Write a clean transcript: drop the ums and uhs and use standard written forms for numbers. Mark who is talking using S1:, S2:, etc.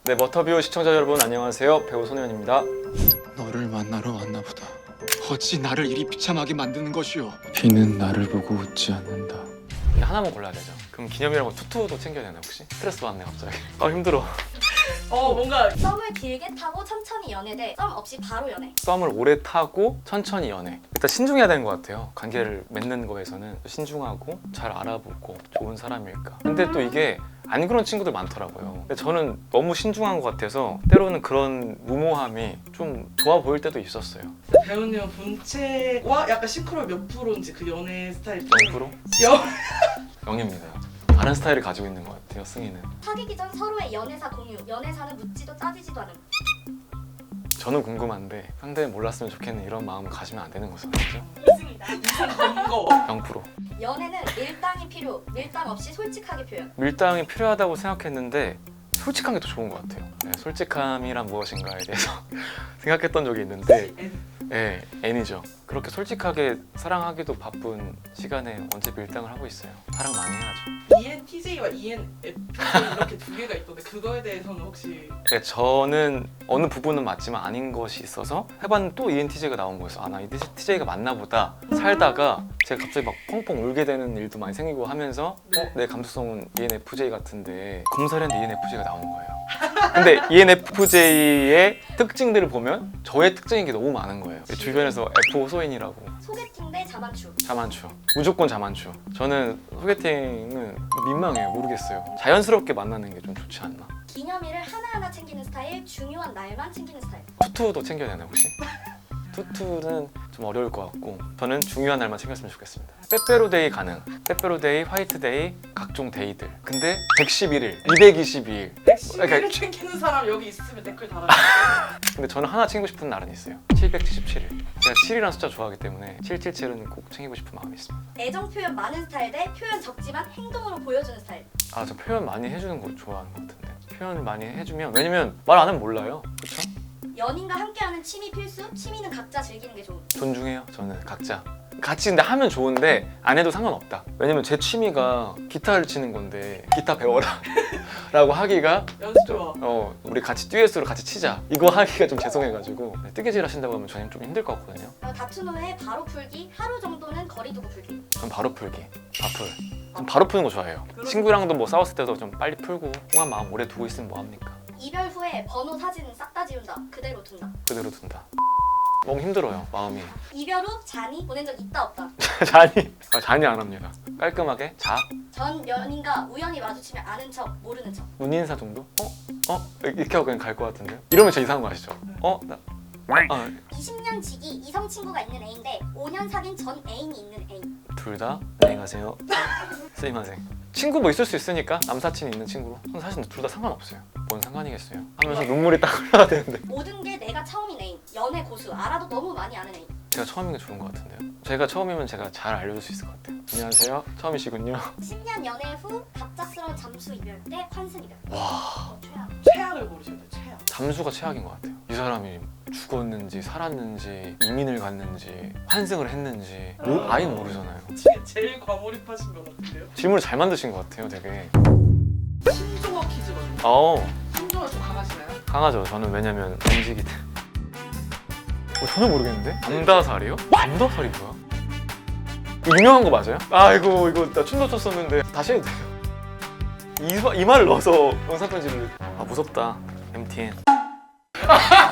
S1: 네, 머터뷰 시청자 여러분 안녕하세요. 배우 손혜원입니다.
S2: 너를 만나러 왔나 보다. 어찌 나를 이리 비참하게 만드는 것이오. 비는 나를 보고 웃지 않는다.
S1: 근데 하나만 골라야 되죠. 그럼 기념이라고 투투도 챙겨야 되나 혹시? 스트레스 받네 갑자기. 아 힘들어.
S3: 뭔가
S4: 썸을 길게 타고 천천히 연애 대 썸 없이 바로 연애.
S1: 썸을 오래 타고 천천히 연애. 일단 신중해야 되는 것 같아요. 관계를 맺는 거에서는 신중하고 잘 알아보고 좋은 사람일까. 근데 또 이게 안 그런 친구들 많더라고요. 근데 저는 너무 신중한 것 같아서 때로는 그런 무모함이 좀 좋아 보일 때도 있었어요.
S3: 배우님은 본체와 약간 싱크로율 몇 프로인지 그 연애 스타일
S1: 0%? 0입니다. 다른 스타일을 가지고 있는 것 같아요, 승희는.
S4: 사귀기 전 서로의 연애사 공유. 연애사는 묻지도 따지지도 않음.
S1: 저는 궁금한데 상대는 몰랐으면 좋겠는 이런 마음을 가지면 안 되는 거죠. 그죠?
S3: 이승이다. 이승 검거.
S1: 0%.
S4: 연애는 밀당이 필요. 밀당 없이 솔직하게 표현.
S1: 밀당이 필요하다고 생각했는데 솔직한 게 더 좋은 것 같아요. 네, 솔직함이란 무엇인가에 대해서 생각했던 적이 있는데 네, N이죠. 그렇게 솔직하게 사랑하기도 바쁜 시간에 언제 밀당을 하고 있어요. 사랑 많이 해야죠.
S3: ENTJ와 ENFJ 이렇게 두 개가 있던데 그거에 대해서는 혹시
S1: 그러니까 저는 어느 부분은 맞지만 아닌 것이 있어서 해봤는데 또 ENTJ가 나온 거였어. 아, 나 ENTJ가 맞나 보다. 살다가 제가 갑자기 막 펑펑 울게 되는 일도 많이 생기고 하면서 내 감수성은 ENFJ 같은데 검사를 했는데 ENFJ가 나오는 거예요. 근데 ENFJ의 특징들을 보면 저의 특징인 게 너무 많은 거예요. 주변에서 F 호소인이라고.
S4: 소개팅 대 자만추.
S1: 자만추. 무조건 자만추. 저는 소개팅은 민망해요. 모르겠어요. 자연스럽게 만나는 게 좀 좋지 않나.
S4: 기념일을 하나하나 챙기는 스타일. 중요한 날만 챙기는 스타일.
S1: 투투도 챙겨야 되나 혹시? 투투는 좀 어려울 것 같고 저는 중요한 날만 챙겼으면 좋겠습니다. 빼빼로데이 가능. 빼빼로데이, 화이트데이, 각종 데이들. 근데 111일, 222일.
S3: 110일을 챙기는 사람 여기 있으면 댓글 달아주세요.
S1: 근데 저는 하나 챙기고 싶은 날은 있어요. 777일. 제가 7이라는 숫자 좋아하기 때문에 777은 꼭 챙기고 싶은 마음이 있습니다.
S4: 애정 표현 많은 스타일 대 표현 적지만 행동으로 보여주는 스타일.
S1: 아, 저 표현 많이 해주는 거 좋아하는 것 같은데. 표현을 많이 해주면 왜냐면 말 안 하면 몰라요. 그렇죠?
S4: 연인과 함께하는 취미 필수. 취미는 각자 즐기는 게 좋음.
S1: 존중해요. 저는 각자. 같이 근데 하면 좋은데 안 해도 상관없다. 왜냐면 제 취미가 기타를 치는 건데 기타 배워라 라고 하기가
S3: 연습 좋아.
S1: 우리 같이 듀엣으로 같이 치자 이거 하기가 좀 죄송해가지고 뜨개질 하신다고 하면 저는 좀 힘들 것 같거든요.
S4: 다툰 후에 바로 풀기. 하루 정도는 거리 두고 풀기.
S1: 전 바로 풀기. 바풀. 전 바로 푸는 거 좋아해요. 친구랑도 뭐 싸웠을 때도 좀 빨리 풀고 꽁한 마음 오래 두고 있으면 뭐합니까?
S4: 이별 후에 번호 사진은 싹 다 지운다. 그대로 둔다.
S1: 그대로 둔다. 너무 힘들어요 마음이.
S4: 이별 후 잔이 보낸 적 있다 없다.
S1: 잔이 안 합니다. 깔끔하게
S4: 전 연인과 우연히 마주치면 아는 척 모르는 척.
S1: 눈인사 정도? 이렇게 하고 그냥 갈 것 같은데요? 이러면 진짜 이상한 거 아시죠?
S4: 20년 지기 이성 친구가 있는 애인데 5년 사귄 전 애인이 있는 애인.
S1: 둘 다 안녕히 가세요. 스이마생. 친구 뭐 있을 수 있으니까 남사친 있는 친구로. 저는 사실 둘 다 상관없어요. 뭔 상관이겠어요. 하면서 눈물이 딱 흘러야 되는데.
S4: 모든 게 내가 처음인 애인. 연애 고수. 알아도 너무 많이 아는 애인.
S1: 제가 처음인 게 좋은 것 같은데요. 제가 처음이면 제가 잘 알려줄 수 있을 것 같아요. 안녕하세요. 처음이시군요.
S4: 10년 연애 후 갑작스러운 잠수 이별 때 환승 이별.
S1: 와,
S4: 최악.
S3: 최악을 고르셔야 돼. 최악.
S1: 잠수가 최악인 것 같아요. 이 사람이 죽었는지 살았는지 이민을 갔는지 환승을 했는지 아예 모르잖아요.
S3: 제일 과몰입하신 것 같은데요?
S1: 질문을 잘 만드신 것 같아요. 되게.
S3: 신조어 퀴즈거든요. 신조어 좀 강하시나요?
S1: 강하죠. 저는 왜냐면 음식이 전혀 모르겠는데? 암다살이요? 암다살이 뭐야? 이거 유명한 거 맞아요? 아이고 이거 나 춤도 췄었는데 다시 해도 돼요? 이 말을 넣어서 영상 편지를 무섭다 MTN